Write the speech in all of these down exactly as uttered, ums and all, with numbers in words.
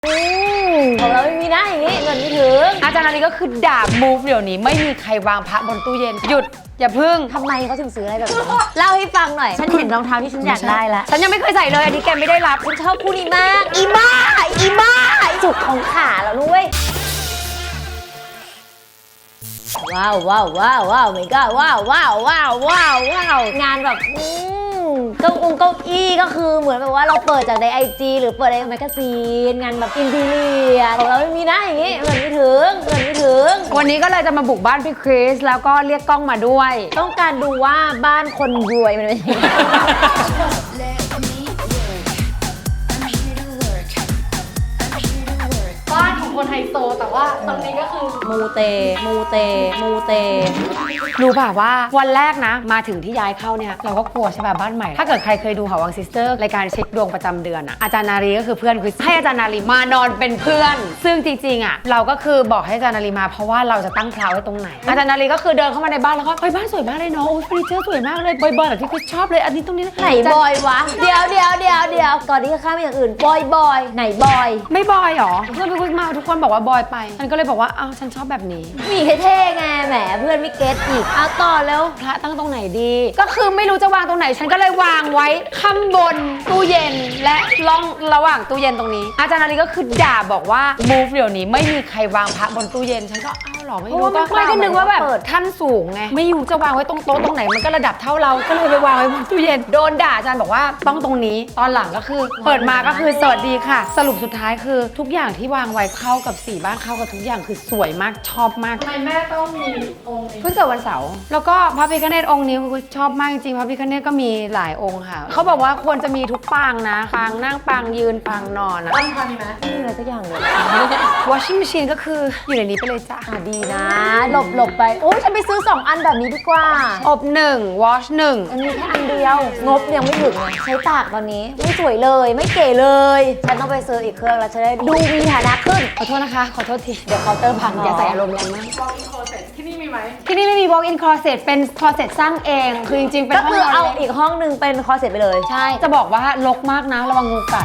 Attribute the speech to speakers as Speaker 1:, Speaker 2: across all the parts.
Speaker 1: ของเราไม่มีนะอย่างนี้เงินไม่ถึง
Speaker 2: อาจารย์นาลีก็คือด่า move เดี๋ยวนี้ไม่มีใครวางพระบนตู้เย็นหยุดอย่าพึ่ง
Speaker 1: ทำไมเขาถึงซื้ออะไรแบบนี้เล่าให้ฟังหน่อยฉันเห็นรองเท้าที่ฉันอยากได้ละ
Speaker 2: ฉันยังไม่เคยใส่เลยอันนี้แกไม่ได้รับ
Speaker 1: ฉันชอบคู่นี้มากอีบ้าอีบ้าจุกของขาแล้วนุ้ยว้าวว้าวว้าวว้าวไม่ก็ว้าวว้าวว้าวว้าวว้าวงานแบบเก้าองเก้าอี้ก็คือเหมือนแบบว่าเราเปิดจากในไอจีหรือเปิดในแมกกาซีนงานแบบอินทีเรียของเราไม่มีนะอย่างนี้เงินไม่ถึงเงินไม่ถึง
Speaker 2: วันนี้ก็เลยจะมาบุกบ้านพี่คริสแล้วก็เรียกกล้องมาด้วย
Speaker 1: ต้องการดูว่าบ้านคนรวยมันเป็นยังไง
Speaker 2: บ้านของคนไฮโซแต่ว่าตรงนี้ก็คือ
Speaker 1: มูเตมูเตมูเต
Speaker 2: รู้ป่ะว่าวันแรกนะมาถึงที่ย้ายเข้าเนี่ยเราก็กลัวใช่ป่ะบ้านใหม่ถ้าเกิดใครเคยดูหอวังซิสเตอร์รายการเช็คดวงประจำเดือนอะอาจารย์นารีก็คือเพื่อนคือให้อาจารย์นารีมานอนเป็นเพื่อนซึ่งจริงๆอะเราก็คือบอกให้อาจารย์นารีมาเพราะว่าเราจะตั้งเพลาไว้ตรงไหนอาจารย์นารีก็คือเดินเข้ามาในบ้านแล้วก็เฮ้ยบ้านสวยมากเลยเนาะโอ้ยเฟอร์นิเจอร์สวยมากเลยบอยๆแบบที่คุณชอบเลยอันนี้ตรงนี้
Speaker 1: ไหนบอยวะเดี๋ยวเดี๋ยวเดี๋ยวเดี๋ยวก่อนที่จะข้ามไปอย่างอื่นบอยบอยไหนบอย
Speaker 2: ไม่บอยหรอเพื่อนไปคุยมาทุกคนบอกว่าบอยไปฉันก็เลยบอกว่าอ้าวฉันชอบแบบนี้
Speaker 1: มีเท่ๆไงแหมเพื่อนไม่เก็ตอีกเอาต่อแล้ว
Speaker 2: พระตั้งตรงไหนดีก็คือไม่รู้จะวางตรงไหนฉันก็เลยวางไว้ข้างบนตู้เย็นและล่องระหว่างตู้เย็นตรงนี้อาจารย์นาลีก็คือด่าบอกว่า move เดี๋ยวนี้ไม่มีใครวางพระบนตู้เย็นฉันก็อ้าวหรอไม่รู้ก็ไม่ก็นึกว่าแบบท่านสูงไงไม่รู้จะวางไว้ตรงโต๊ะตรงไหนมันก็ระดับเท่าเราก็เลยไปวางไว้บนตู้เย็นโดนด่าอาจารย์บอกว่าต้องตรงนี้ตอนหลังก็คือเปิดมาก็คือสวัสดีค่ะสรุปสุดท้ายคือทุกอย่างที่วางไว้เข้ากับสีบ้านเข้ากับทุกอย่างคือสวยมากชอบมาก
Speaker 3: ทำไมแม่ต้องมีองค์นี้
Speaker 2: เพิ่งเกิดวันเสาร์แล้วก็พระพิฆเนศองค์นี้คือชอบมากจริงๆพระพิฆเนศก็มีหลายองค์ค่ะเขาบอกว่าควรจะมีทุกปางนะปางนั่งปางยืนปางนอนอะ
Speaker 3: ตั้งพันไหม
Speaker 1: ไม่มีอะไรสักอย่างเลย
Speaker 2: washing machine ก็คืออยู่ในนี้ไปเลยจ้ะ
Speaker 1: อ่ะดีนะหลบหลบไปโอ้ยฉันไปซื้อสองอันแบบนี้ดีกว่า
Speaker 2: อบหนึ่ง wash หนึ่ง
Speaker 1: มันมีแค่อันเดียวงบยังไม่ถึงใช้ตากตอนนี้ไม่สวยเลยไม่เก๋เลยฉันต้องไปซื้ออีกเครื่องแล้วจะได้ดูมีฐานะขึ้น
Speaker 2: ขอโทษนะคะขอโทษทีเดี๋ยวเคาน์เตอร์พังอย่าใส่อารมณ์แรงมาก
Speaker 3: walk in closet ที่นี่มีไหม
Speaker 2: ที่นี่ไม่มี walk in closet เป็น closet สร้างเองคือจริงๆเป็น
Speaker 1: ห้องก็คือเอาอีกห้องนึงเป็นคลอเซ็ตไปเลย
Speaker 2: ใช่จะบอกว่ารกมากนะระวังงูกัด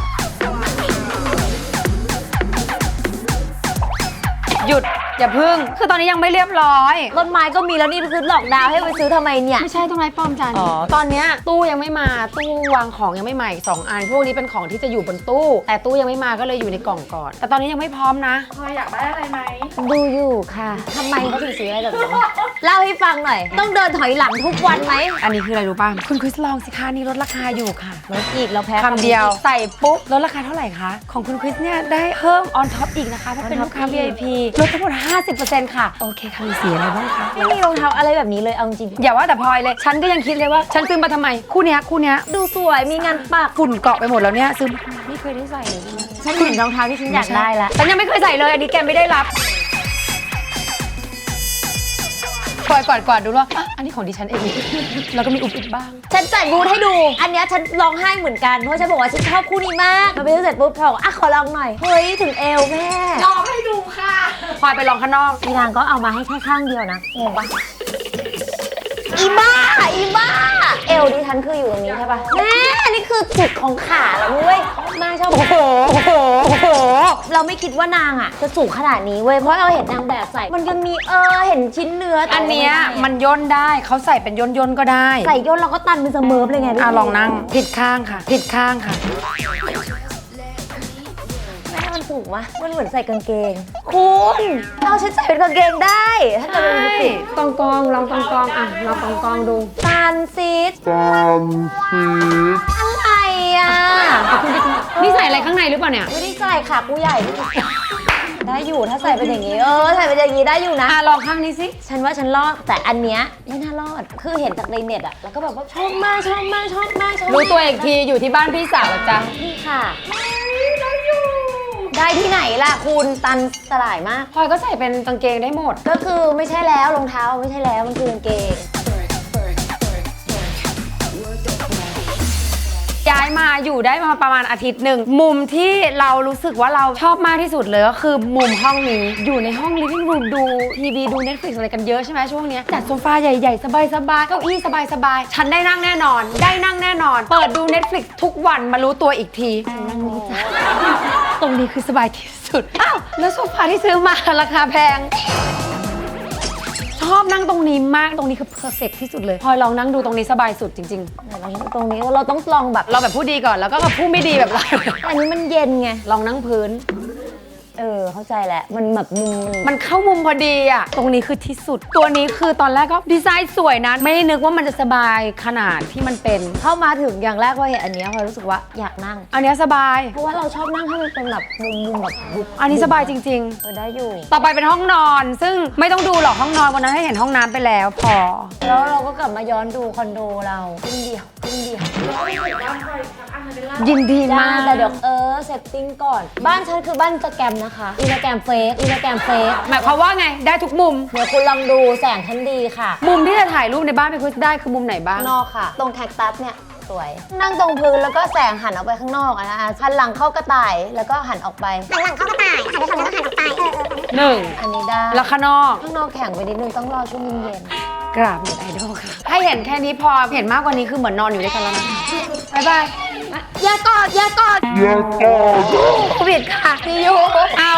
Speaker 2: หยุดอย่าพึ่งคือตอนนี้ยังไม่เรียบร้อย
Speaker 1: ต้นไม้ก็มีแล้วนี่คือหลอกดาวให้ไปซื้อทำไมเนี่ย
Speaker 2: ไม่ใช่ต้นไม้ปลอมจันตอนนี้ตู้ยังไม่มาตู้วางของยังไม่มาอีกสองอันพวกนี้เป็นของที่จะอยู่บนตู้แต่ตู้ยังไม่มาก็เลยอยู่ในกล่องก่อนแต่ตอนนี้ยังไม่พร้อมนะ
Speaker 3: พออยากได้อะไรไหม
Speaker 1: ดูอยู่ค่ะทำไมเขาถึงซื้ออะไรแบบนี้เล่าให้ฟังหน่อยต้องเดินถอยหลังทุกวันไหม
Speaker 2: อันนี้คืออะไรรู้ป่ะคุณคริสลองสิคะนี่ลดราคาอยู่ค่ะ
Speaker 1: ลดอีกเราแพ้
Speaker 2: คำเดียวใส่ปุ๊บลดราคาเท่าไหร่คะของคุณคริสเนี่ยได้เพิ่ม on top อีกนะคะเพราะเป็นลูกค้า วี ไอ พี ลดทั้งหมดห้าสิบเปอร์เซ็นต์ ค่ะโอเคค่ะมีสีอะไรบ้างคะ
Speaker 1: ไม่มีรองเท้าอะไรแบบนี้เลยเอาจริง
Speaker 2: อย่าว่าแต่พลอยเลยฉันก็ยังคิดเลยว่าฉันซื้อมาทำไมคู่เนี้ยคู่เนี้ย
Speaker 1: ดูสวยมีงานปัก
Speaker 2: ฝุ่นเกาะไปหมดแล้วเนี่ยซื้อไม่เคยได้ใส่เลย
Speaker 1: ฉันเห็นรองเท้าที่ฉันอยากได้ละ
Speaker 2: ฉันยังไม่เคยใส่เลยอันนี้แกไม่ได้รับปล่อยก่อนก่อนดูว่าอันนี้ของดิฉันเองแล้วก็มีอุบอิบบ้าง
Speaker 1: ฉันจัดบูธให้ดูอันนี้ฉันร้องไห้เหมือนกันเพราะฉันบอกว่าฉันชอบคู่นี้มากมาไปซื้อเสร็จปุ๊บเขาบอกอ่ะขอลองหน่อยเฮ้ยถึงเอวแม่
Speaker 3: ลองให้ดูค่ะ
Speaker 2: พลอยไปลองข้างนอก
Speaker 1: อีนางก็เอามาให้แค่ข้างเดียวนะงงปะอีบ้าอีบ้าเอวดิฉันคืออยู่ตรงนี้ใช่ปะแม่นี่คือจุดของขาแล้วเว้ยแม่ชอบ
Speaker 2: โอ้โหโอ้โหโอ้โห
Speaker 1: เราไม่คิดว่านางอ่ะจะสูงขนาดนี้เว้ยเพราะเราเห็นนางแบบใส่มันยังมีเออเห็นชิ้นเนื้อ
Speaker 2: อันเนี้ยมันย่นได้เขาใส่เป็นย่นย่นก็ได้
Speaker 1: ใส่ย่นเราก็ตันเป็นเสมอเลยไง
Speaker 2: อ่ะลองนั่งผิดข้างค่ะผิดข้างค่ะ
Speaker 1: มันสูงวะมันเหมือนใส่กางเกงคุณเราใช้ใส่เป็นกางเกงได้ถ้าเกิดเป็นผิด
Speaker 2: ตองกองลองตองกองอ่ะลองตองกองดู
Speaker 1: ตันซีด
Speaker 4: ตันซีด
Speaker 1: อะไรอ่ะ
Speaker 2: นี่ใส่อะไรข้างในหรือเปล่าเนี่ย
Speaker 1: ไม่ได้ใส่ค่ะกูใหญ่ได้อยู่ถ้าใส่เป็นอย่างนี้เออใส่เป็นอย่างนี้ได้อยู่นะ
Speaker 2: อ่ะลองข้างนี้สิ
Speaker 1: ฉันว่าฉันรอดแต่อันเนี้ยไม่น่ารอดคือเห็นจากในเน็ตอะแล้วก็แบบว่าชอบมากชอบมากชอบมากชอบ
Speaker 2: รู้ตัวอีกทีอยู่ที่บ้านพี่สาวจ้ะ
Speaker 1: นี่ค่ะได้ที่ไหนล่ะคุณตันสลายมาก
Speaker 2: พลอยก็ใส่เป็นกางเกงได้หมด
Speaker 1: ก็คือไม่ใช่แล้วรองเท้าไม่ใช่แล้วมันคือกางเกง
Speaker 2: ย้ายมาอยู่ได้มาประมาณอาทิตย์หนึ่งมุมที่เรารู้สึกว่าเราชอบมากที่สุดเลยก็คือมุมห้องนี้อยู่ในห้อง living room ดูทีวีดู Netflix อะไรกันเยอะใช่ไหมช่วงนี้จัดโซฟาใหญ่ๆสบายๆเก้าอี้สบายๆฉันได้นั่งแน่นอนได้นั่งแน่นอนเปิดดู Netflix ทุกวันมารู้ตัวอีกทีฉันนั่งนี่จ้ะตรงนี้คือสบายที่สุด อ้าว แล้วโซฟาที่ซื้อมาราคาแพง ชอบนั่งตรงนี้มาก ตรงนี้คือเพอร์เฟกที่สุดเลยพลอยลองนั่งดูตรงนี้สบายสุดจริง
Speaker 1: ไหนลองตรงนี้เราต้องลองแบบ
Speaker 2: ๆ เราแบบผู้ดีก่อนแล้วก็กับผู้ไม่ดีแบบเรา
Speaker 1: อันนี้มันเย็นไง
Speaker 2: ลองนั่งพื้น
Speaker 1: เออเข้าใจแหละมันแบบมุมมัน
Speaker 2: มันเข้ามุมพอดีอะตรงนี้คือที่สุด ตัวนี้คือตอนแรกก็ดีไซน์สวยนะ ไม่ได้นึกว่ามันจะสบายขนาดที่มันเป็น
Speaker 1: เข้ามาถึงอย่างแรกพอเห็นอันเนี้ยพอรู้สึกว่าอยากนั่ง
Speaker 2: อันเนี้ยสบาย
Speaker 1: เพราะว่าเราชอบนั่งให้มันเป็นแบบมุมมุมแบบบุบ
Speaker 2: อันนี้สบายจริง
Speaker 1: เออได้อยู่
Speaker 2: ๆ ต่อไปเป็นห้องนอน ซึ่งไม่ต้องดูหรอกห้องนอนวันนั้นให้เห็นห้องน้ำไปแล้วพอ
Speaker 1: แล้วเราก็กลับมาย้อนดูคอนโดเราครึ่งเดียวครึ่งเดียว
Speaker 3: บ้านใครสักอันหนึงเป็นล่า
Speaker 2: ยินดี
Speaker 1: ได้
Speaker 2: มาก
Speaker 1: แต่เดี๋ยวเออเซตติ้งก่อน บ้านฉันคือบ้านอินสตาแกรมนะคะอินสตาแกรมเฟซอินสตาแกรมเฟซ
Speaker 2: หมายความว่าไงได้ทุกมุม
Speaker 1: เดี๋ยวคุณลองดูแสงฉันดีค่ะ
Speaker 2: มุมที่จะถ่ายรูปในบ้านพี่คุชได้คือมุมไหนบ้าง
Speaker 1: ข้างนอกค่ะ ตรงแคคตัสเนี่ยสวย นั่งตรงพื้นแล้วก็แสงหันออกไปข้างนอกอะนะคะหันหลังเข้ากระต่ายแล้วก็หันออกไป
Speaker 5: หันหลังเข้ากระต่ายหันไปฝั่งนู้นแล้วหันออกไปเออเออ
Speaker 2: หนึ่ง
Speaker 1: อันนี้ได้
Speaker 2: แล้วข้างนอก
Speaker 1: ข้างนอกแข็งไปนิดนึงต้องรอช่วงเย็น
Speaker 2: กราบเน็ตไอดอลค่ะ ให้เห็นแค่นี้พอเห็นมากกว่านี้คือเหมือนนอนอยู่ด้วยกันแล้วนะบ๊ายบาย
Speaker 1: ๆอย่ากอดอย่ากอด
Speaker 4: อย่ากอด
Speaker 2: โควิดค่ะ
Speaker 1: พี่ยู
Speaker 2: เอา